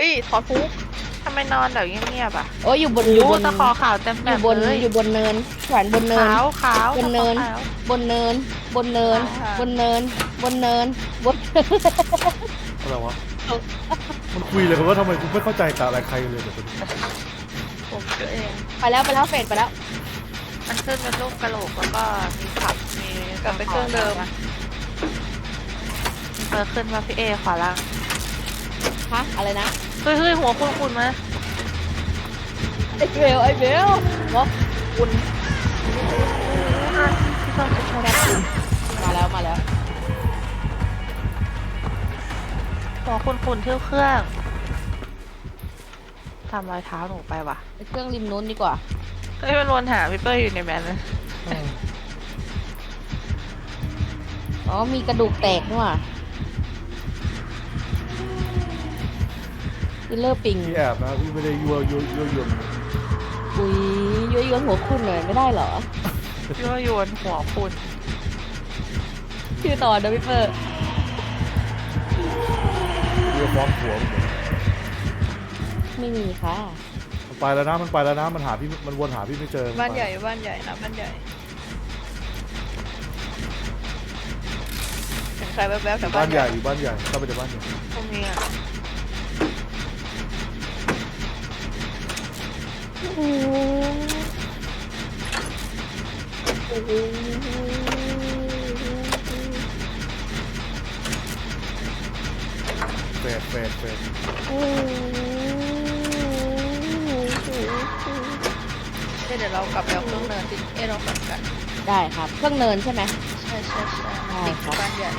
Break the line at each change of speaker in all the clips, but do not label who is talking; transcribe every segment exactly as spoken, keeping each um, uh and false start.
อ้ยถอดฟุกทำไมนอนแบบเงียบๆอ่ะ
โอ้ยอยู่บนอยู่บน
ตะขอขาวเต็ม
อ
แบ
ยู่
บบ
น
เลย
อยู่บนเนินแขวนบนเนิน
ขาวขาว
บนเนิน
ขาว
บนเนิน บนเนิน
ค่ะ
บนเนิน บนเนินบน
อะไรวะมันคุยเลยกันว่าทำไมกูไม่เข้าใจกับอะไรใครเลยเดี๋ยว
ผมเจอเอง
ไปแล้วไปแล้วเฟดไปแล้ว
มันขึ้นเป็นรูปกระโหลกแล้วก็มีขับมี
กลับไปเครื่องเดิม
เออขึ้นมาพี่เอขวาล่าง
ฮะอะไรนะ
เฮ้ยเฮ้ยหัวคุณคุณมา
ไอ้เบลไอ้เบลวะคุณ
พี่ต้นจะโชว์
แค่คุณมาแล้วมาแล้ว
หัวคุณคุณเที่ยวเครื่องทำรอยเท้าหนูไปว่ะ
ไปเครื่องริมนู้นดีกว่า
เฮ้ยมันวนหาพี่เป้ยอยู่ในแมนนะ
อ๋อมีกระดูกแตกนี่หว่าคิลเลอร์ปิง
พี่แอบนะพี่ไม่ได้ยั่วยั่วยั่วยวน
อุ้ยย้อยย้อนหัวคุณเลยไม่ได้เหรอ
พี่ว่าโยนหัวคุณ
ชื่อต่อเดวิเปอร์
ยั่วฟ้องผัว
ไม่มีค่ะ
มันไปแล้วนะมันไปแล้วนะมันหาพี่มันวนหาพี่ไม่เจอ
บ้านใหญ่บ้านใหญ่นะบ้านใหญ่เห็นใครแวบๆแถว
บ้า
บ้าน น
ให
ให
ญ่
ญ่
อยู่บ้านใหญ่เข้าไปในบ้านใหญ่
ตรงนี้อ่ะ
เฟดเฟดเฟด
เดี๋ยวเรากลับไปเอาเครื่องเนินที่เอ้เรากลับกัน
ได้ครับเครื่องเนินใช่ไหม
ใช่ใช่ใช่
ได้
ติด
ครับ
บ้านใหญ่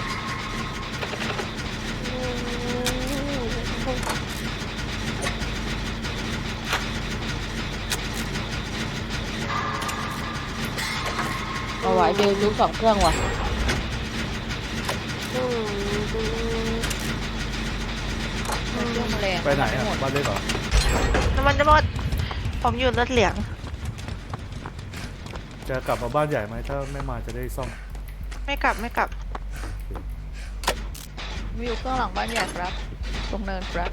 เอาไว้เบลยุสองเครื่องว่ะ
เครื่องแมลง
ไปไหนอ่ะบ้านเล็กเหรอ
น้ำมันจะหมดผมอยู่รถเหลือง
จะกลับมาบ้านใหญ่ไหมถ้าไม่มาจะได้ซ่อม
ไม่กลับไม่กลับ
มีอยู่เครื่องหลังบ้านใหญ่ครับตรงเนินครับ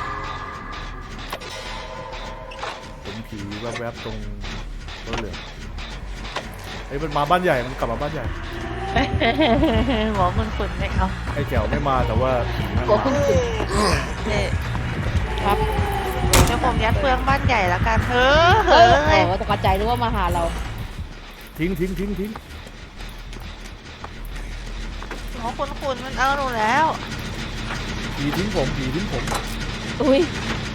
เห็นผีแวบๆตรงรถเหลืองไอ้ยมันมาบ้านใหญ่มันกลับมาบ้านใหญ่
หัวคุณคุณไม่เอา
ไอ้แจ๋วไม่มาแต่ว่าผีมัน
หัว
มา
คุณคุณ
เนี่ย
ครับ
เดี๋ยวผมยัดเฟืองบ้านใหญ่แล้วกันเฮ้อ
เอ
เฮ้
อ
อ
โอ้ตกใจนึกว่ามาหาเรา
ทิ้งทิ้งทิ้งทิ้ง
หัวคุณคุณมันเอาหนูแล้ว
ผีทิ้งผมผีทิ้งผม
อุ้ย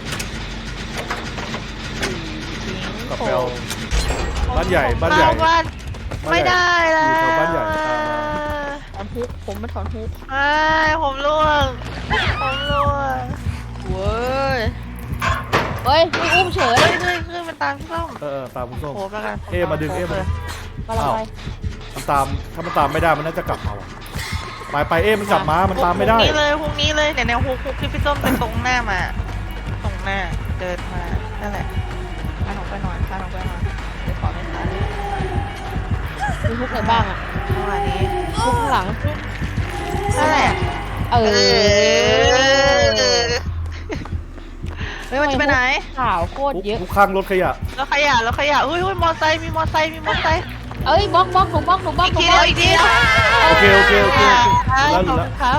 กลับไปเอาบ้านใหญ่บ้านใหญ่
เข้บ้านไม่ได้แล้
อยู่
ว
แถวบ้านใหญ่
ถอนฮุกผมมาถอนฮุก
ไม่ผมล่วงผมล่วง
เว้ย
เฮ้ยไม่อุ้มเฉย
เฮ้ยเฮ้ยคือมันตามพี่ส้ม
เออเออตามคุณส้ม
โผล่แล้วกัน
เอ๊ะมาดึงเอ๊ะมา
มาละไป
มันตามถ้ามันตามไม่ได้มันน่าจะกลับมาว่ะไปไปเอ๊ะมันกลับมามันตามไม่ได้
พรุ่งนี้เลยพรุ่งนี้เลยเนี่ยแนวฮุกฮุกที่พี่ส้มเป็นตรงหน้ามา ตรงหน้าเดินมานั่นแหละ
พาน้องไปหน่อยพาน้องไปหน่อยเดี๋ยวขอไม่ทัน
มีทุกไหนบ้างอ่ะ
จังหวะนี้
ทุกข้างหลัง
นั่นแหละ
เอ
เอ
อ
อ
เฮ้ยมันจะไปไหน
ข่าวโคตรเยอะ
ทุกข้างรถขยะ
แล้วขยะแล้วขยะอุ้ยอุ้ยมอไซค์มีมอไซค์มีมอไซค์
เอ้ยบล็อกบล็อกหนูบล็อกหนูบล็อก
อีก
หนู
ที
บล็
เดี
อย ก
วอีกทีเดียว
โอเคโอเคโอเคโอเครู้แล้วรู้
ขอบ
แล้ว
คุณครับ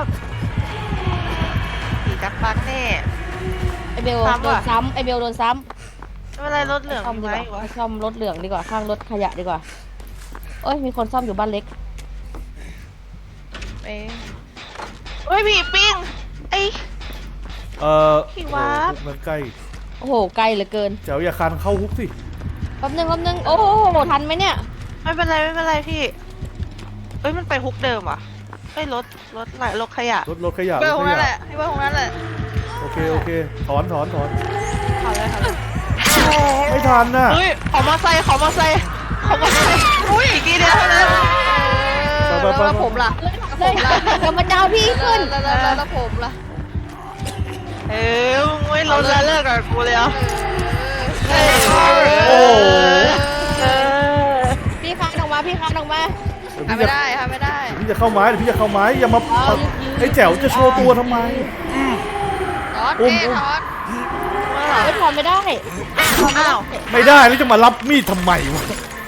ผีจักรปักแน่
ไอเบล
ซ้ำ
โด
ว่ะ
นซ้ำไอเบลโดนซ้
ไม่เป็นไรรถเหลือง
ำซ่อม
มี
ดี
ไหม
กว่า
วะ
ไปซ่อมรถเหลืองดีกว่าข้างรถขยะดีกว่าเอ้ยมีคนซ่อมอยู่บ้านเล็ก
เอ๊ะ
เฮ้ยผีปิ้งไอ้
เออ
พี่วาบ
โอ้โหมันใกล้
โอ้โหไกลเหลือเกิน
แจ๋วอย่าคันเข้าฮุกสิ
แป๊บนึงแป๊บนึงโอ้โหทันไหมเนี่ย
ไม่เป็นไรไม่เป็นไรพี่เอ้ยมันไปฮุกเดิมว่ะเฮ้ยรถรถไหลรถขยะ
รถรถขยะ
เบ
ร
ล
ถ
ข
ข
องนั่นแห
ยะ
ละพี่ว่าของนั่นแหละ
โอเคโอเคถอนถอนถอน
เอาเลยค่ะ
ไม่ทันน่ะ
เฮ้ยขอมอไซค์ขอมอไซค์ขอมอไซค์อุ้ยอีกทีเดียวเท่านั้น
ไปไป
แล้ว
ไป
แล้วผมล่ะ
เลยเดี๋ยวมาดาวพี่ขึ้น
แล้วแล้วแล้วแล้วผมล่ะ
เอ้ยมึงไม่ลดละเลิกกับกูเลยเหรอ
เอ้ย
โอ้โห
เออ
พี่คานออกมาพี่คานออกมา
ทำไม่ได้ทำไม่ได้
พี่จะเข้าไม้เดี๋ยวพี่จะเข้าไม้อย่ามา
เอายืน
ไอ้แจ๋วจะโชว์ตัวทำไม
ถอน
อุ้ม
เอ๊ะ
อุ้ม
ถอน
ไม่ถอนไม่ได้ถอนไม่
อ้า
ได้
ว
ไม่ได้แล้วจะมารับมีดทำไมวะ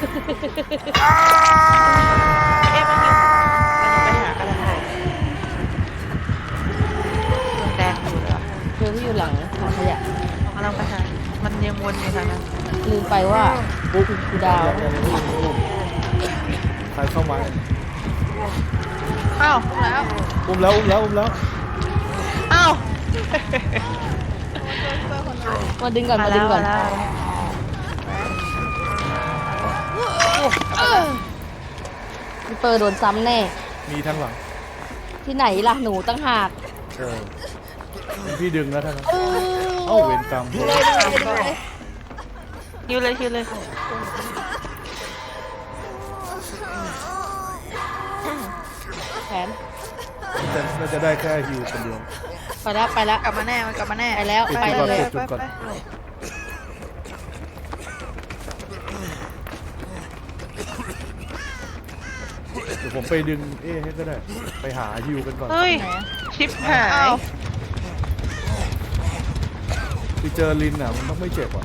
เอ๊ะมันอยู่มันไปหากระดาษแดงอยู่เลยอะ
เธอที่อยู่หลังถังขยะ
กำลังไปหามันยังวนอยู่ทางนั้น
ลืมไปว่าปุ๊บคูดาว
ใครเข้ามา
อ้าว
แล้ว
อุ้มแล้วอุ้มแล้วอุ้มแล้ว
อ้าว
มาดึงก่อน
มา
มา
แล้
ดึง
ว
ก่อ
มาน แล้ว
พี่เปอร์โดนซ้ำแน่
มีทั้งหลัง
ที่ไหนล่ะหนูตั้งหาก
เออพี่ดึงแล้วท่านนเอ้าเวรกรรม
เลยเลยเลย
ฮิวเลยฮิวเลย
แผน
จะน่าจะได้แค่ฮิวคนเดียว
ไปแล้วไปแล้ว
กลับมาแน่มันกลับมาแน่
ไปแล้ว
ปิด
ไป
จุดก่อน
เลย
ปิดจุดก่อนเดี๋ยวผมไปดึงเอ๊ะให้ก็ได้ไปหาฮิวกันก่อน
เฮ้ยชิปหาย
ไปเจอลินอ่ะมันต้องไม่เจ็บอ่ะ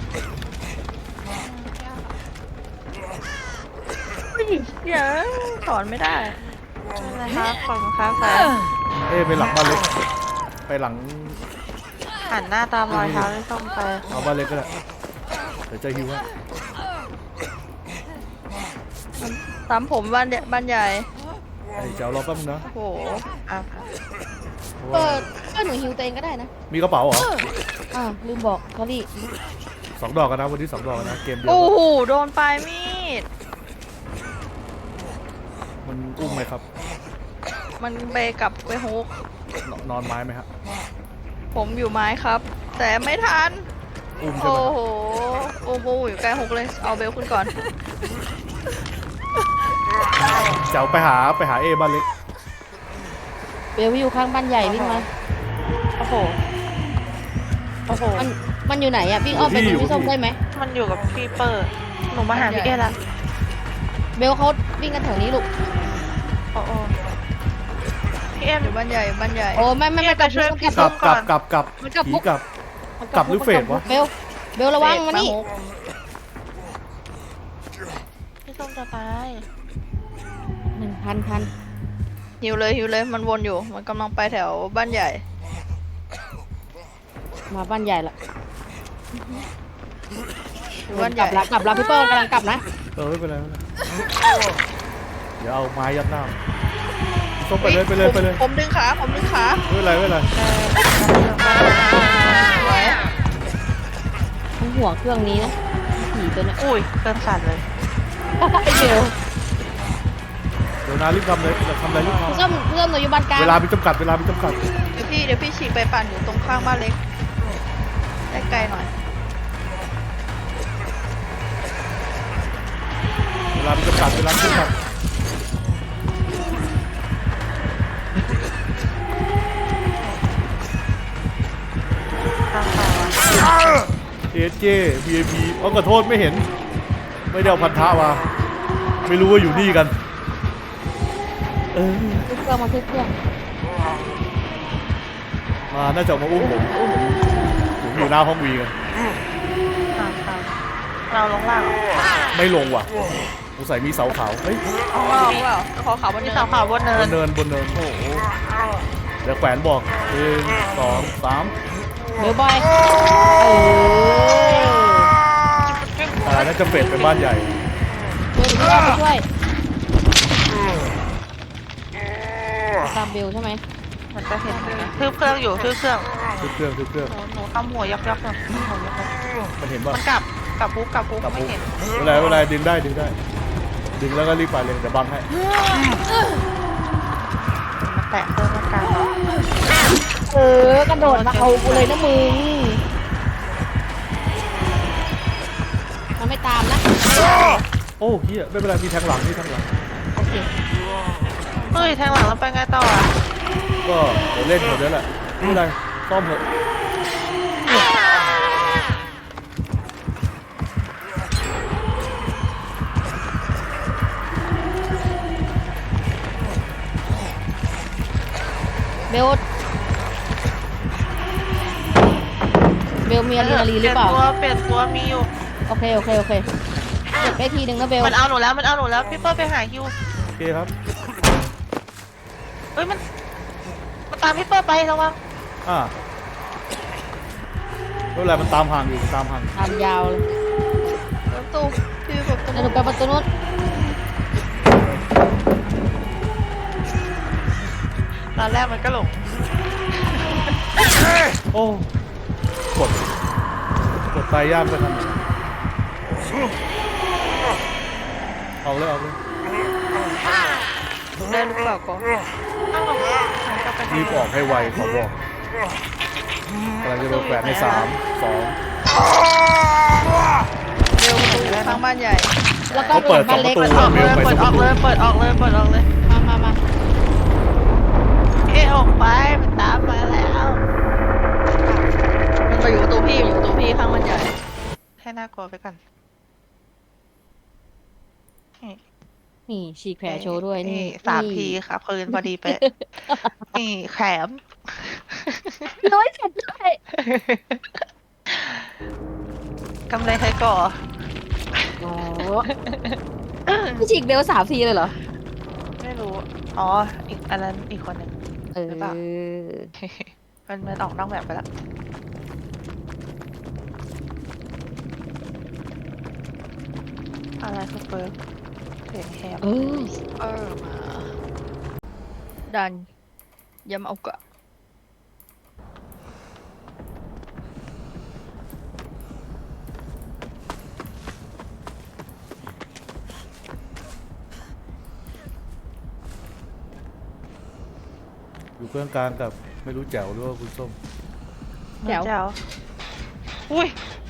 เดี๋ยวถอนไม่ได้
นะครับขอบคุณครับแฟน
เอ๊ะไปหลังบ้านเล็กไปหลัง
หันหน้าตามรอยเท้าที่ส้มไป
เอาบ้านเล็กก็ได้เดี๋ยวจะฮิวให้
ตามผมบ้านใหญ่บ้านใหญ่
ไอ้เจ้ารอแป๊บนึงนะ
โอ้โห
อ่ะ
เพราะ
เปิ
ว่า
ดก็หนูฮิวตัวเองก็ได้นะ
มีกระเป๋าเหรอ
อ่าวลืมบอกสอรี่
สองดอกกันนะวันนี้สองดอกกันนะเกมเดียว
โอ้โหโดนปลายมีด
มันอุ้มไหมครับ
มันไปกลับไปฮุก
นนอนไม้ไหมฮะ
ผมอยู่ไม้ครับ แต่ไม่ทัน
อุ้มใช่
โอ้
ไหม
โหโอ้โหอยู่ใกล้ฮุกเลยเอาเบลขึ้นก่อน
เจ้าไปหาไปหาเอบ้านเล็ก
เบลอยู่ข้างบ้านใหญ่วิ่งมา
โอ้โหโอ้โห
มันมันอยู่ไหนอะวิ่งอ้อมไปดูพี่ส้มได้ไหม
มันอยู่กับพี่เปิดหนูมาหาพี่เอ๊ะละ
เบลเขาวิ่งกันแถวนี้ลูก
โอ้โหพี่เอ็ม
อยู่บ้านใหญ่บ้านใหญ่
โอ้ไม่ไม่ไม่
ไปช่วยพี่
กลับกลับกลับกลับ
มันกลับ
ผี
มุก
กลับ กลับหรือเฟดวะ
เบลเบลระวังมานี่
ฮุก
พี่ส้มจะไป
หนึ่งพันพัน
หิวเลยหิวเลยมันวนอยู่มันกำลังไปแถวบ้านใหญ่
มาบ้านใหญ่ละ
อยู่บ้านให
กลั
ญ่
บละกลับละพี่เปิ้ลกำลังกลับนะ
เออไม่เป็นไรไม่เป็นไรเดี๋ยวเอาไม้ยัดหน้าต้องไปเลยไปเลยไปเลย
ผมผมดึงขาผมดึงขา
ไม่เป็นไรไม่เป็นไร
ไว้
มันห่วงเครื่องนี้นะผีตัวเนี้ย
อุ้ยเกินสั่นเลย
ไอเบล
เดี๋ยวนารีบทำเลยทำอะไรรีบท
พี่ส้มพี่ส้มหนูอยู่บ้านกลาง
ำเวลามีจำกัดเวลามีจำกัด
เดี๋ยวพี่เดี๋ยวพี่ฉีกไปปั่นอยู่ตรงข้างบ้านเล็กใกล้ๆหน่อย
เวลามีจำกัดเวลามีจำกัด
ตามข่าวอะ
เอสเจบีเอพีเอาขอโทษไม่เห็น ไม่ได้เอาพันธะมาไม่รู้ว่าอยู่นี่กันเออ
ทุกเครื่องมาทุกเครื่อง
มาน่าจะมาอุ้มผมผมผมอยู่หน้าห้องวีกัน
ตามข่าวเราลงล่างเหรอ
ไม่ลงว่ะสงสัยมีเสาขาวเฮ้ย
เอาเปล่าเอาเปล่าขอขาวบน
มี
เนิน
เสาขาวบนเนิ
บ
น
นเนินบนเนินโอ้โหเดี๋ยวแขวนบอกหนึ่งสองสาม
เบลบอยเออ
อ่าน่าจะเป็ดเป็นบ้านใหญ่
เบลเดี๋ยวพี่อ้อมไปช่วยตามเบลใช่ไหม
มันจะเห็นไหมทืบเครื่องอยู่ทืบเครื่อง
ทุกเครื่องทุกเครื่อง
หนูหนูทำหัวยักยักๆหน่อยหัวยักยัก
มันเห็นป่ะ
มันกลับกลับปุ๊บกลับปุ๊บ
กลับ
ไม่
ปุ๊บ
เห็น
เวลาเวลาดึงได้ดึงได้ ดึงแล้วก็รีบไปเลยเดี๋ยวบังให้
มันแตะเครื่องมันกลางเหรอ
เออกระโดดมาเอากูเลยนะมึงมันไม่ตามนะ
โอ้เฮียไม่เป็นไรมีแทงหลังมีแทงหลัง
โอเค
เฮ้ยแทงหลังแล้วไปไงต่ออ่ะ
ก็เดี๋ยวเล่นหมดแล้วแหละไม่เป็นไรซ่อมเถอะ
เบลเบลมีอะดรีนาลีนหรือเปล่า
เปลี่ยนตัวเปลี่ยนตัวมีอยู่
โอเคโอเคโอเคเก็บได้ทีหนึ่งนะเบล
มันเอาหนูแล้วมันเอาหนูแล้วพี่เปิ้ลไปหาฮิว
โอเคครับ
เฮ้ยมันมันตามพี่เปิ้ลไประวัง
อ่าไม่เป็นไรมันตามห่างอยู่มันตามห่าง
ตามยาวเลย
ประตูพี่แบบตรง
แล้วหนูไปประตูนู้น
ตอนแรกมันก็หลง
โอ้กดกดตายยากไปทำไมเอาเลยเอาเลย
ได้หรือเปล่าก่อน
อ้าวมันก็ไป
รีบออกให้ไวขอบอกกำลังจะโดนแขวนในสามสอง
เร็วประตูข้างบ้านใหญ่
แล้วก็
เขาเปิด
บ้านเล็ก
สองประตู
ออกเลยเปิดออกเลยเปิดออกเลยเปิดออกเลย
มามามา
เอะออกไปมันตามมาแล้ว
มันมาอยู่ประตูพี่อยู่ประตูพี่ข้างบ้านใหญ่
ให้น่ากลัวไปก่อนนี่
นี่ฉีกแผลโชว์ด้วยนี่
สามทีค่ะคืนพอดีไปะนี่แขม
น้อยฉันด้วย
กำไรใครก่อ
โอ้พี่ฉีกเบลสามทีเลยเหรอ
ไม่รู้ อ๋อ อีกอันนั้นอีกคนหนึ่ง
เออ
หรือเปล่า มันมันออกนอกแบบไปแล้ว อะไรคือเปิร์กเสียงแหบ
เออ
เออมาดันยำเอากะ
อยู่เครื่องกลางกับไม่รู้แจ๋วหรือว่าคุณส้ม
แจ๋ว
แจ๋วอุ้ย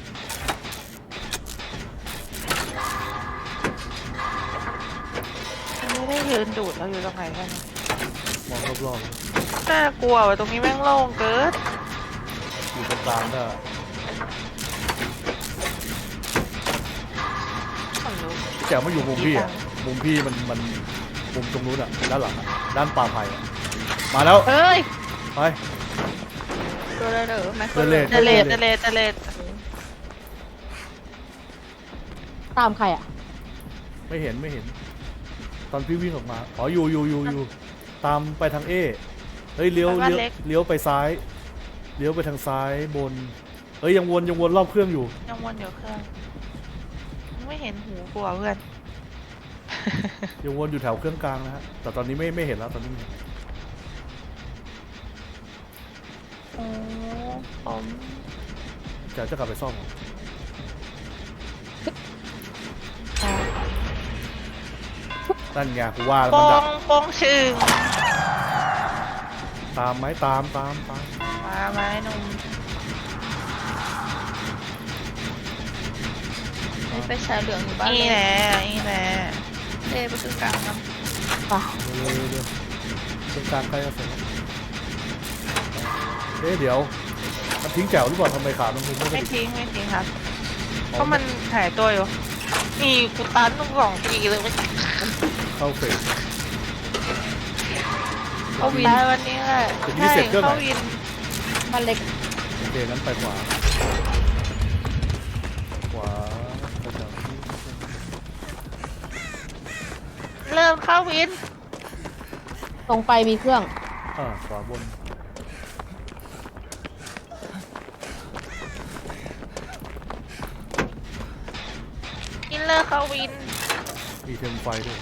ไม่ได้ยืนดูดเราอยู่ตรงไหนกัน
มองรอบ
น่ากลัวว่ะตรงนี้แม่งโล่งเกิน
ๆอยู่ตรงกลางก็
ขนลุก
แจ๋วไม่อยู่มุมพี่อ่ะมุมพี่มันมันมุมตรงนู้นอ่ะด้านหลังอ่ะด้านป่าไผ่อะมาแล้ว
เอ้ย
ไป
ตัวได้เหรอแม็ก
เดินเลน
เจเลตเจเลตเจเลต
ตามใครอ่ะ
ไม่เห็นไม่เห็น ตอนพี่วิ่งออกมาอ๋ออยู่อยู่อยู่อยู่ตามไปทางเอเฮ้ยเลี้ยวเลี้ยวเลี้ยวไปซ้ายเลี้ยวไปทางซ้ายบนเฮ้ยยังวนยังวนรอบเครื่องอยู่
ยังวนอยู่เครื่อง ไม่เห็นหูกลัวเพื่อน
ยังวนอยู่แถวเครื่องกลางนะฮะแต่ตอนนี้ไม่ไม่เห็นแล้วตอนนี้ไม่เห็น
โอ้ผม
แจ๋วจะกลับไปซ่อมเหรอนั่นไงกูว่าแล้ว
ป
มัน
อ
ดั
ง
ก
ปองชึง
ตามไหมตามตามตาม
มาไม้หนุ่ม
นี่ไปชายเหลืองอยู่บ้าน
นี่
เลย
แหละนี่แหละ
เต้ประตูกลางครับ
เร็วๆเร็วๆเครื่องกลางใกล้จะเสร็จแล้วเอ๊ะเดี๋ยวมันทิ้งแจ๋วหรือเปล่าทำไมขามันไม่ได้
ไม่ทิ้งไม่ทิ้งครับ เพราะมันหายตัวอยู่นี่กูตันต้องสองทีเลยไม่
เข้าเฟส
เขาวินวันนี้แหละ
ถึงนี่เสร็จเครื่องไหน
เขาวิน
บ้านเล็ก
โอเคงั้นไปขวาขวาไปจากนี้
เริ่มเข้าวิน
ตรงไปมีเครื่อง
อ่าขวาบน
อินเลอร์เข้าวิน
มีเทมไฟด้วย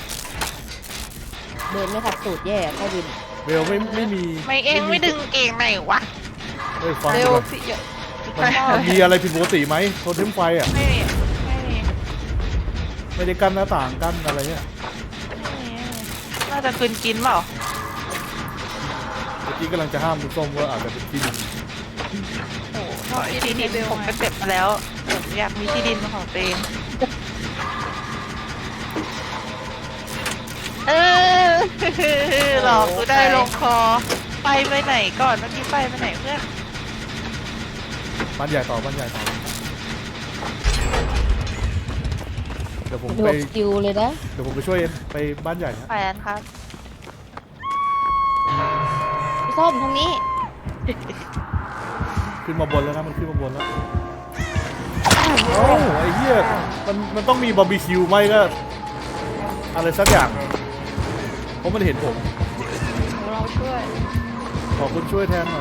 เดินไม่ขัดสูตรแย่เข้าวิน
เบลไม่ไม่มี
ไม่เองไม่ดึงเก่งไหนวะ
เฮ้ยฟัง
เร็ว
ก่อน
พี่เยอะ
มันมันมีอะไรผิดปกติไหมโทรเทมไฟอ่ะ
ไม่มีไม่มี
ไม่ได้กั้นหน้าต่างกั้นอะไรเนี่ย
ไม่มีน่าจะคืนกินเปล่า
เมื่อกี้กำลังจะห้ามคุณส้มว่าอาจจะเป็นที่ดิน
โอ้โหเพราะไอ้ที่ดินผมก็เจ็บมาแล้วผมอยากมีที่ดินเป็นของตัวเองเออหลอกกูได้ลงคอ ไปไปไหนก่อนเมื่อกี้ไปไปไหนเพื่อน
บ้านใหญ่ต่อบ้านใหญ่ต่อเดี๋ยวผม
ดู
ไป
สกิลเลยนะ
เดี๋ยวผมไปช่วยเองไปบ้านใหญ่นะ
แฟนครับ
พี่ส้มทางนี้
ขึ้นมาบนแล้วนะมันขึ้นมาบนแล้วโอ้ไอ้เหี้ยมันมันต้องมีบาร์บีคิวไหมก็อะไรสักอย่างเพราะมันเห็นผม
เราช่วย
ขอคุณช่วยแทนหน่อย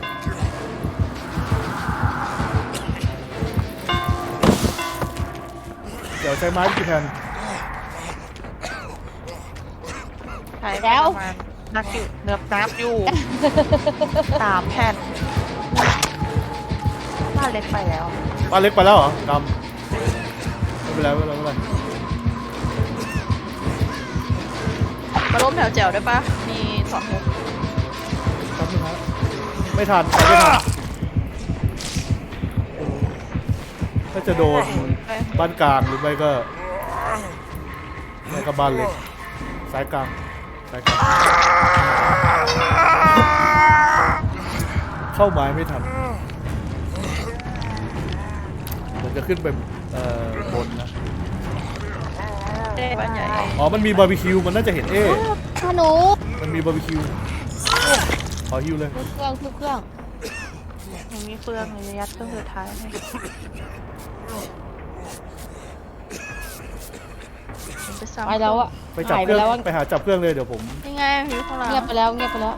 เดี๋ยวใช้ไม้กี่แผ่น
ใช้ไปประมาณนักอยู่เนือบนับอยู่ สามแผ่นบ้านเล็กไปแล้ว
บ้านเล็กไปแล้วเหรอกำไม่เป็นไรไม่เป็นไรไม่เป็นไร
มาล้มแถวแจ๋วได้ปะมีสอนมุก
แป๊บนึงครับไม่ทันไปไม่ทันถ้าจะโดนบ้านกลางหรือไม่ก็ไม่ก็บ้านเล็กสายกลางสายกลางเข้าไม้ไม่ทันผมจะขึ้นไปเอ่อบนนะ
บ้านใหญ่
อ๋อมันมีบาร์บีคิวมันน่าจะเห็นเอ๊ะ
ถ้าหนู
มันมีบาร์บีคิวขอฮิวเลย
ทุกเครื่องทุกเครื่อง
หนูมีเฟืองหนูจะยัดเครื่องสุดท้ายให้
ไปซ้ำ
ไปแล้วอะ
ไปจับ
หาย
เค
ไป
รื่อง
แล้วอะ
ไปหาจับเครื่องเลยเดี๋ยวผม
ยังไงอยู่ข้างหลัง
เงียบไปแล้วเงียบไปแล้ว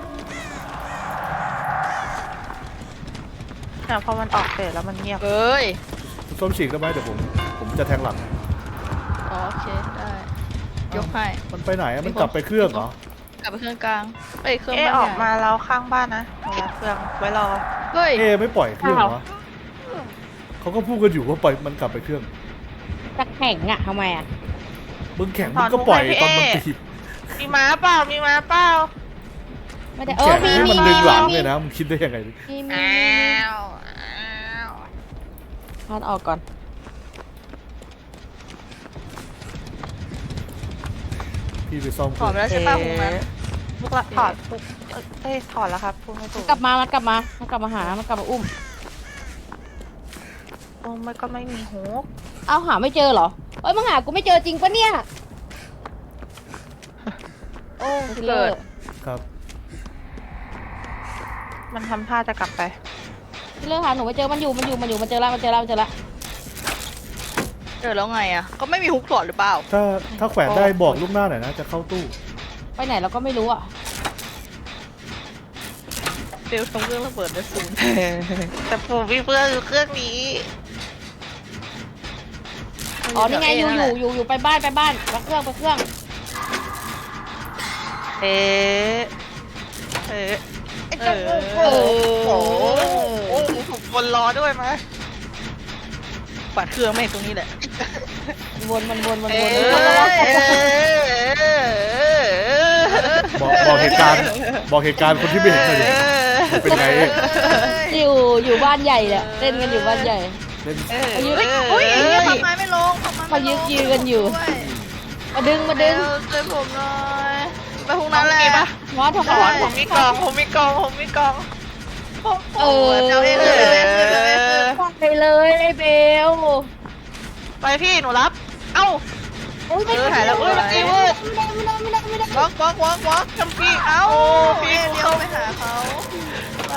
แต่พอมันออกเสร็จแล้วมันเงียบ
เอ้ย
ส้มฉีกได้ไหมเดี๋ยวผมผมจะแทงหลัง
อ๋อโอเคได้ยกให้
มันไปไหนอะมันกลับไปเครื่องเหรอก
ลับไปเครื่องกลางเอ้ยเครื่อง
เอ๊ะ
บ้าน
อ
ให
อ
ญ่
กมาแล้วข้างบ้านนะหนูยัดเฟืองไว้รอ
เฮ้ย
เอ๊ะไม่ปล่อยเครื่องเหรอวะเขาก็พูดกันอยู่ว่าปล่อยมันกลับไปเครื่อง
จะแข่งอะทำไมอะ
มึงแข่งมึงก็ปล่อยตอนมันตี
มีม้าเปล่ามีม้าเปล่า
ไม่ได้เออ
แข่ง
มี
ให้
มี
มันดึงหลัง
มี
เลยนะมึงคิดได้ยังไง
มีมี
อ้าวอ้าว
ทานออกก่อน
พี่ไปซ่อมเค
ถอ
รื่
ด
อง
ไปแล้วใช่ป่ะพวกนั้น
พวกละถอดปุ๊บเอ้ยเอ้ยถอดแล้วครับพูดไม่ถูก
กลับมามันกลับมามันกลับมาหามันกลับมาอุ้ม
โอ้มันก็ไม่มีหู
เอาหาไม่เจอเหรอเอ้ยมึงหากูไม่เจอจริงปะเนี่ย
โอ้
คิลเลอร์
ครับ
มันทำท่าจะกลับไป
คิลเลอร์หาหนูไม่เจอมันอยู่มันอยู่มันอยู่มันเจอแล้วมันเจอแล้วมันเจอแล้ว
เจอแล้วไงอ่ะก็ไม่มีฮุกถอดหรือเปล่า
ถ้าถ้าแขวนได้บอกลูกหน้าหน่อยนะจะเข้าตู้
ไปไหนเราก็ไม่รู้อะ
เบลทำเครื่องระเบิดได้ศูนย์
แต่ผมมีเฟืองอยู่เครื่องนี้
อ๋อนี่ไงอยู่อยู่อยู่อยู่ไปบ้านไปบ้านไปเครื่องไปเครื่อง
เอ๊ะเอ๊ะ
เออ
โอ้โหโอ้โหผมคนรอด้วยมั้ย
ปัดเครื่องแม่งตรงนี้แหละ
วนมันวนมัน
เอ๊
วนะ
บอกบอกเหตุการณ์บอกเหตุการณ์คนที่ไม่เห็นเลยดิมันเป็นไงเอ๊ะ
อยู่อยู่บ้านใหญ่เนี่ยเต้นกันอยู่บ้านใหญ่
เล่น
มายืน
อุ้ยทำไมไม่ลงทำไม
มายืนยืนกันอยู่ มาดึงมาดึง
ช่วยผมหน่อยไปพวกนั้นแหละ
มอสทำ
ถ
อะ
อน
ไร
ผมมีกล่องผมมีกล่องผมมีกล่อง
เออ
เจ้าเองเลยเจ้าเองเลย
ไปเลยไอ้เบล
ไปพี่หนูรับ เอ้า
โอ้ยไม่
เออหายแล้วเอ้ยเมื่อกี้เว้ย
ไม่ได้ไม่ได้ไม่ได้ไม่ได้
วอกวอกวอกวอก
จำพี่เอ้า
โอ้
พี่
พี่เลี้ยวไปหาเขา
ไป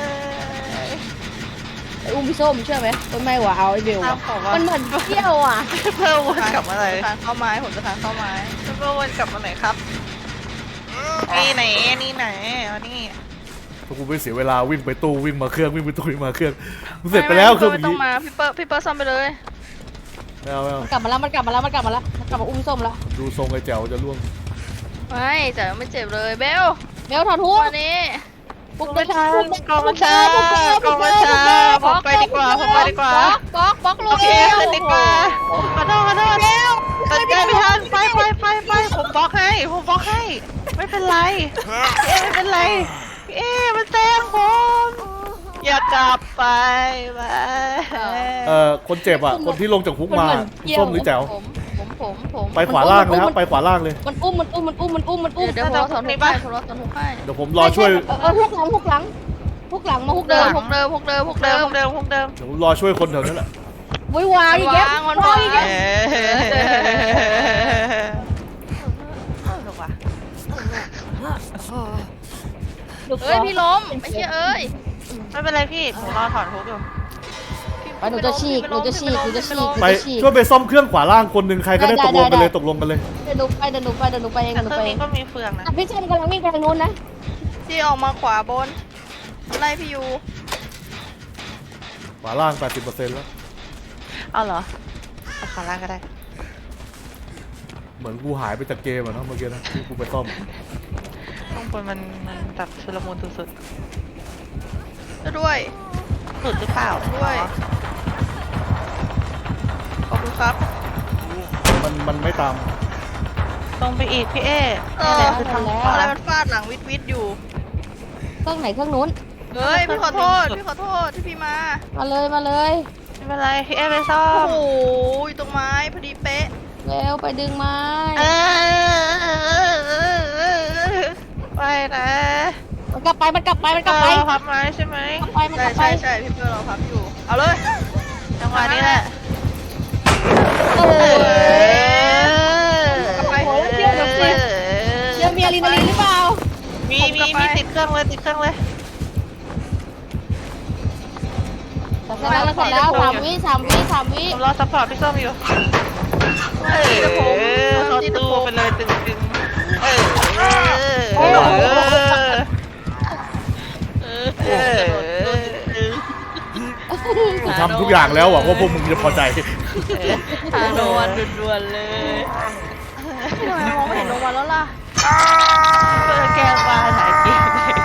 ไอ้อุ้มพี่ส้มเชื่อไหมมันไม่หวาเอาไอ้เบล
ตาม
อะ
ผมว่า
มันเหมือนเที่ยวอ่ะ
เพิ่มวนกลับมาไหน
ทางเข้าไม้ผมจะทางเข้าไม้
เพิ่มวนกลับมาไหนครับ นี่ไหนนี่ไหนเอานี่
ถ้ากูไม่เสียเวลาวิ่งไปตู้วิ่งมาเครื่องวิ่งไปตู้วิ่งมาเครื่องกูเสร็จไปแล้วเครื่อง
ไม่
เมื่อ
ต้อ
กี้
งมาพี่เปิ้ลพี่เปิ้ลซ่อมไปเลย
ไม่เอาไม่เอา
มันกลับมาแล้วมันกลับมาแล้วมันกลับมาแล้วมันกลับมาอุ้มพี่ส้มแล้ว
ดูทรงไอ้แจ๋วจะล่วง
ไม่แต่ไม่เจ็บเลยเบล
เบลถอดทุก
วันนี้
ปุก
ไม่
เดิ
ใช่
น
กองบัญชากองบัญชาผมไปดีกว่าผมไปดีกว่า
บล็อกบล็อกลู
โอก เคขึ้นดีกว่าขอโทษขอโทษตัดใจไม่ทันไปไปไปไปผมบล็อกให้ผมบล็อกให้ ไม่เป็นไรพี่เอไม่เป็นไรพี่เอมันแซงผมอย่ากลับไปไป
เอ่อคนเจ็บอ่ะคนที่ลงจากคุกมาส้มหรือแจ๋ว
ผมผมผมผม
ไปขวาล่างเลยครับไปขวาล่างเลย
มันอุ้มมันอุ้มมันอุ้มมันอุ้มมันอุ้ม
เดี๋ยวผมรอสอนทุกให้ผมรอสอนทุกให้
เดี๋ยวผมรอช่วย
เออเออฮุกหลังฮุกหลังฮุกหลังมาฮุก
เดิ
เดิ
ม
ม
พวกเดิมพวกเดิมพวก
เดิ
เดิ
ม
ม
เดิมเดิม
เดี๋ยวผมรอช่วยคนแถวนั้นแหละ
วิวางอีกแล้ว
วางมัน
วาง
วาง
อีกแล้ว
ถูกป่ะ
ดู
เอ้ยพี่ล้มไอ้เชี่ยเอ้ย
ไม่เป็นไรพี่หนูรอถอนทุกอยู่
ไปหนูจะฉีกหนูจะฉีกหนูจะฉีกหนู
ไป
จะฉีก
ช่วยไปซ่อมเครื่องขวาล่างคนหนึ่งใครก็ได้ตกลงกันเลยตกลงกันเลย
เดี๋ยวหนูไปเดี๋ยวหนูไปเดี๋ยวหนูไปเอง
แต่
เดี๋ยวห
เค
นู
รื่อง
ไปเอง
นี้ก็มีเฟืองนะ
อ่ะพี่ส้มกำลังวิ่งไปทางนู้นนะ
พี่ออกมาขวาบนไล่พี่ยู
ขวาล่าง แปดสิบเปอร์เซ็นต์ แล้ว
เอาเหรอเอาขาล่างก็ได้
เหมือนกูหายไปจากเกมอะเนาะเมื่อกี้นะที่กูไปซ่อม
ข้างบนมันมันแบบชุลมุนสุด
ด้วย
ๆหลุดหรือเปล่า
ด้วยขอบคุณครับ
มันมันไม่ตาม
ตรงไปอีกพี่เอ
เอ
นี่
อ
แหละคือทางข
อะไร
วา
มันฟาดหลังวิดวิดอยู่
เครื่องไหนเครื่องนู้น
เฮ้ยพี่ขอโทษพี่ขอโทษที่พี่มา
มาเลยมาเลย
ไม่เป็นไรพี่เอไปซ่อ
โอ้
ม
โหอยู่ตรงไม้พอดีเป๊ะ
เร็วไปดึงไม้
เออไปนะ
มันกลับไปมันกลับไปมันกลับไป
เออพับไม้ใช่ไหม
กลับไปมัน
ใช่
กลับไป
ใช่ใช่พี่เปิ้ลเราพับอยู่เอาเลย
จังหวะนี้แหละ
โอ้
เอย อ
ไป
โอ้ยเชื่อเดี๋ยวสิเดี๋ยวมีอะดรีนาลีนหรือเปล่า
มีมีมีติดเครื่องเลยติดเครื่องเลย
แต่เสร็จแล้วแล้วเสร็จแล้วสามวิสามวิสามวิ
ผมรอซัพพอร์ตพี่ส้มอยู่เออเขาตู้ไปเลยตึงๆเออเออเออเออ
กูทำทุกอย่างแล้วหวังว่าพวกมึงจะพอใจ
หาโนวันด่วนๆเลย
ทำไมมองไม่เห็นลงมาแล้วล่ะ
เปิดแก้วมาหายกิน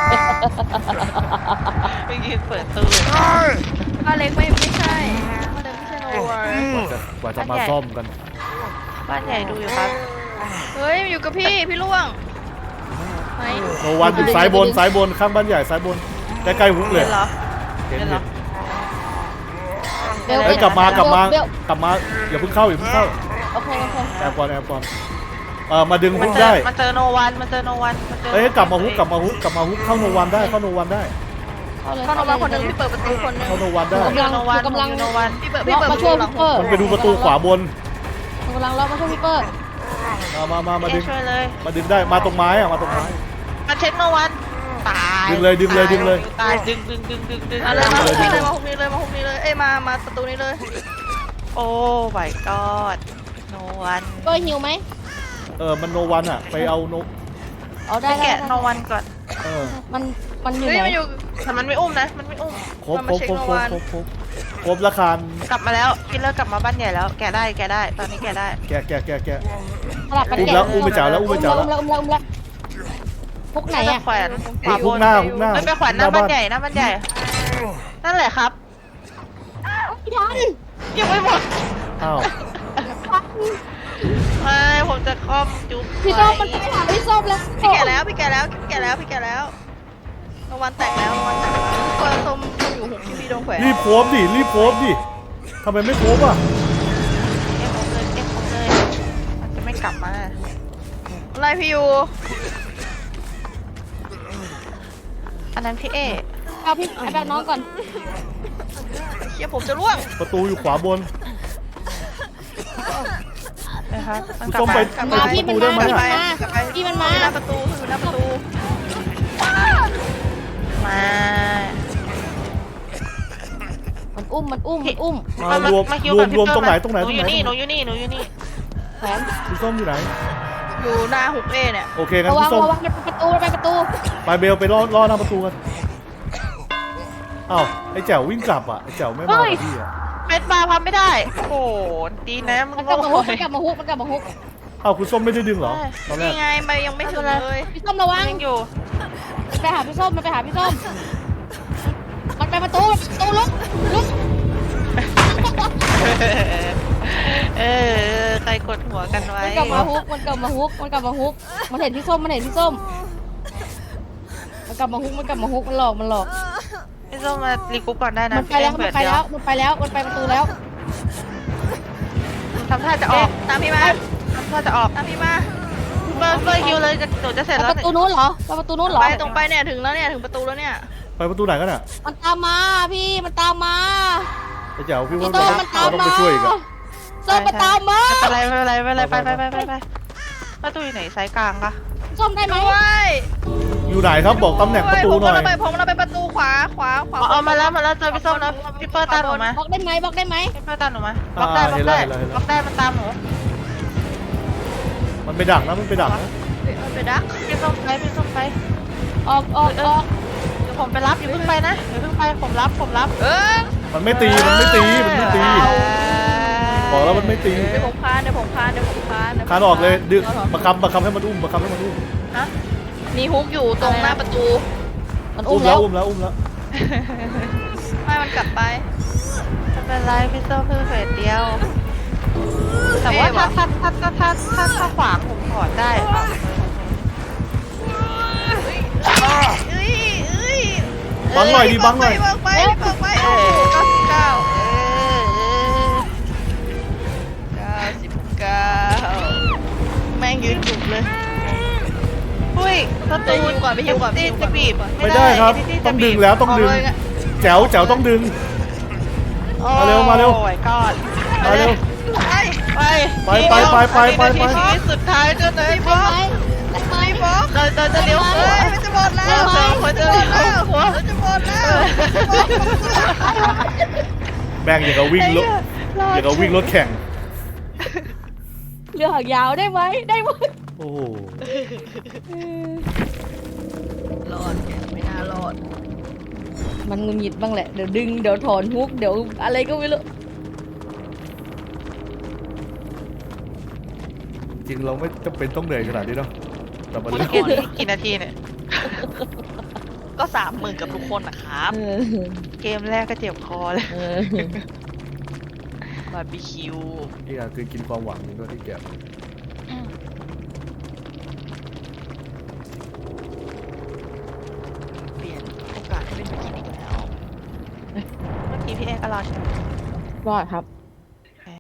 ไปยืนเปิดตู้
บ้านเล็กไม่ไม่ใช่บ้านเล็กไม่ใช่โนวาก
ว่าจะกว่าจะมาซ่อมกัน
บ้านใหญ่ดูอยู่ครับ
เฮ้ยอยู่กับพี่พี่ล่วงไหน
โนวันอยู่ซ้ายบนซ้ายบนข้างบ้านใหญ่ซ้ายบนใกล้ๆฮุกเลย
เห็นเหรอ
เห็น
เห็นเหร
เห็
อ
น
เบล
เฮ้ยกลับมากลับมา
เบล
กลับมาอย่าเพิ่งเข้าอย่าเพิ่งเข้า
โอเคโอเค
แอบก่อนแอบก่อนเออมาดึง
มั
ฮุ
น
ก
เจอ
ได้
มันเจอโนวันมันเจอโนวันมันเจอ
เฮ้ยกลับมาฮุกกลับมาฮุกกลับมาฮุกเข้าโนวันได้เข้าโนวันได้
เข้าเลย
เข้าโนวาคนหนึ่งพี่เปิดประตูคนหนึ่ง
เข้าโนวันได้
กำลัง
โนวัน
กำลัง
โนวัน
พี่เปิดพี่เปิด
มา
ประ
ช่
ตู
วย
หลั
พี่
ง
เปอร์
มันไปดูประตูขวาบน
กำลังรอมาช่วยพี่เปอร์
มามามามาดึง
ช่วยเลย
มาดึงได้มาตรงไม้อะมาตรงไม้
มาเช็คโนวันตาย
ดึงเลยดึงเลยดึงเลย
ตายดึงดึงดึงดึงดึง
เอาเลยมา
เล
หุ
ย
กนี้เลยมาหุกนี้เลยมาหุกนี้เลยเอ้ยมามาประตูนี้เลย
โอ้ my god โนวัน
เปอร์หิวไหม
เออมันโนวันอะไปเอาโน
เอา
ไป
ได้ได้
แกะ
ได้
โนวันก่อน
เออ
มันมันอยู่
เฮ้ย
ไหน
มันอยู่
แต่มันไม่อุ้มนะมันไม่อุ้ม
ครบ
มัน
คร
มา
บ
เช็
ค
ค
รบ
โน
ครบ
วัน
ครบครบครบราคาก
ลับมาแล้วกินแล้วกลับมาบ้านใหญ่แล้วแกะได้แกะได้ตอนนี้แกะได้
แกะแกะแกะแกะ
สลับกัน
อุ้ม
แกะ
แล้วอุ้มไปจ่ายแล้วอุ้มไปจ่ายแล้ว
อุ้มแล้วอุ้มแล้วอุ้มแล้วพวกไหนอะ
แขวน
อ่ะฮุกหน้าฮุกหน้า
ไม่ไปแขวนหน้าบ้านใหญ่หน้าบ้านใหญ่นั่นแหละครับ
พี่ทัน
ยังไม่หมด
อ้าว
ไม่ผมจะคอมจุ๊บ
พี่ส้มมันไปหาพี่ส้มแล้ว
พี่แก่แล้วพี่แก่แล้วพี่แก่แล้วพี่แก่แล้วโนวันแตกแล้วโนวันแตกแล้วเปิดส้มส้มอยู่หุกที่พี่โดนแขวน
รีบโพสต์ดิรีบโพสต์ดิทำไมไม่โพสต์อ่ะ
เอ็กผมเลยเอ็กผมเลยมันจะไม่กลับมา
ไล่พี่ยู
อันนั้นพี่เอ
เอาพี่ไอ้แบบน้องก่อน
เชี่ยผมจะล่วง
ประตูอยู่ขวาบน
นะคะมัน
คุณ
กลับ
ส้ม
มา
ไป
กลับ
ไป
มา
ดู
พี่
ประ
มัน
ตูได้
มา
ไหม
พี่
อะ
มันมาพี่มันมา
อยู่หน้าประตูอยู่หน้าประตู
มา
มันอุ้มมันอุ้มมันอุ้ม
มารวม
คิ
รวม
กับพี่
รวม
เปิ้ล
ตรงไหน
มา
ตรงไหน
ห
ต
นู
รง
อ
ไหน
ยู่นี่หนูอยู่นี่หนูอยู่นี่
แขวน
คุณส้มอยู่ไหน
อยู่หน้าหุกเอเนี่ย
โอเคงั้น
ระวั
คุ
ง
ณส้ม
ระวังมันเป็นประตูมันเป็นประตู
ไปเบลไปล่อล่อหน้าประตูกันอ้าวไอ้แจ๋ววิ่งกลับอ่ะไอ้แจ๋วไม่มากับพี่อ่ะ
เม็ดบาร์พับไม่ได้ โอ้โหดีนะมึง
มันกลับมาฮุกมันกลับมาฮุกมันกลับมาฮุก
อ้าวคุณส้มไม่ได้ดึงเหรอตอนแรก
นี่ไงไปยังไม่ถึงเลย
พี่ส้มระวัง
ยังอยู่
มันไปหาพี่ส้มมันไปหาพี่ส้มมันไปประตูประตูลุกลุก
เออใครกดหัวกันไว้
มันกลับมาฮุกมันกลับมาฮุกมันกลับมาฮุกมันเห็นพี่ส้มมันเห็นพี่ส้มมันกลับมาฮุกมันกลับมาฮุกมันหลอกมันหลอก
พี่ส้มมารีกรุ๊ปก่อนได้นะ
มันไปแล้วมันไปแล้วมันไปแล้วมันไปประตูแล้ว
ทำท่าจะออก
ตามพี่มา
ทำท่าจะออก
ตามพี่มา
เบิร์นเบิร์นคิวเลยจะหนูจะเสร็จ
ไป
แล้ว
ประตูนู้นเหรอไปประตูนู้นเหรอ
ไปตรงไปเนี่ยถึงแล้วเนี่ยถึงประตูแล้วเนี่ย
ไปประตูไหนกันอ่ะ
มันตามมาพี่มันตามมา
ไอ้แจ๋วพี่
พี่
ว่า
ส้ม
เรา
มันตาม
ต้อง
มา
ไปช่วยอีกอ่ะ
ส้มมันตามมา
ไม่เป็นไรไม่เป็นไรไม่เป็นไรไปไปไปไปไปประตูอยู่ไหนสายกลางปะ
ส้มได้ไหม
ด้วย
ปอยู่ไหนครับบอกตำแหน่งประตูหน่อย
ผมเราไปผมเราไปประตูขวาขวาขวา
เอาเอามาแล้วมาแล้วเจอพี่ส้มแล้วพี่เปิ้ลตามหนูมา
บล็อกได้ไหมบล็อกได้ไหม
พี่เปิ้ลตามหนูมาบล็อกได้บล็อกได้บล็อกได้มันตามหนู
มันไปดักนะมันไปดักนะ
มันไปดัก
พี่ส้มไปพี่ส้มไป
ออกออกออก
เดี๋ยวผมไปรับอย่าเพิ่งไปนะอย่าเพิ่งไปผมรับผมรับ
เออ
มันไม่ตีมันไม่ตีมันไม่ตีบอกแล้วมันไม่ตี
เดี๋ยวผมคานเดี๋ยวผมคานเดี๋ยวผมคาน
คานออกเลยดึงบังคับบังคับให้มันอุ้มบังคับให้มันอุ้ม
ฮะ
มีฮุกอยู่ตรงหน้าประตู
มันอุ้
อุ้
ม
มแล้
แล้ว ว
อุ้มแล้วอุ้มแล้ว
ไม่มันกลับไป
ไม่เป็นไรพี่ส้มเพิ่งเฟสเดียว แต่ว่าถ้าถ้าถ้าถ้าถ้าถ้าถ้าขวางผมถอดได้
เอ้ยเอ้ย
บังหน่อยดิบังหน่อย
บังไปบังไปโอ้โหเก้าสิบเก้า
เออเออ
เก้าสิบเก้าแม่งยืนจุกเลย
อุ้ยประ
ไป
ตู
ฮิวก่อนไปฮิวก่อน
ตีจะบีบ
ไม่ได้ครับ ต้องดึงแล้วต้องดึง แจ๋วแจ๋วต้องดึง มาเร็วมาเร็ว
โอ้ยกอด
มาเร็ว
ไป
ไป
ไปไปไปไปไป
นาทีชีวิตสุดท้ายจนเลย
บล็อกไปบล็อก
เราเราจะเลี้ยวหัว
เฮ้ยมันจะหมดแล้ว
เราควรจะเลี้ยวหัว
มันจะหมดแล้ว
แม่งอย่างกับวิ่งรถอย่างกับวิ่งรถแข่ง
เรือหางยาวได้ไหมได้ไหม
โอ้โห
รอดไม่น่ารอด
มันงุนงิดบ้างแหละเดี๋ยวดึงเดี๋ยวถอนฮุกเดี๋ยวอะไรก็ไม่รู้
จริงเราไม่จำเป็นต้องเหนื่อยขนาดนี้เนาะแต่มัน
เมื่
เรื่
อ
อง
กี้นี้กี่นาทีเนี่ย
ก็สามหมื่นกับทุกคนนะครับ
เออ
เกมแรกก็เจ็บคอเลย
เออบ
าร์บีคิว
นี่อะคือกินความหวังนี่ก็ที่แก
เปลี่ยนโอกาสให้เป็นกินอีกแล้ว
เมื่อกี้พี่เอก็รอใช่ไหม
รอดครับ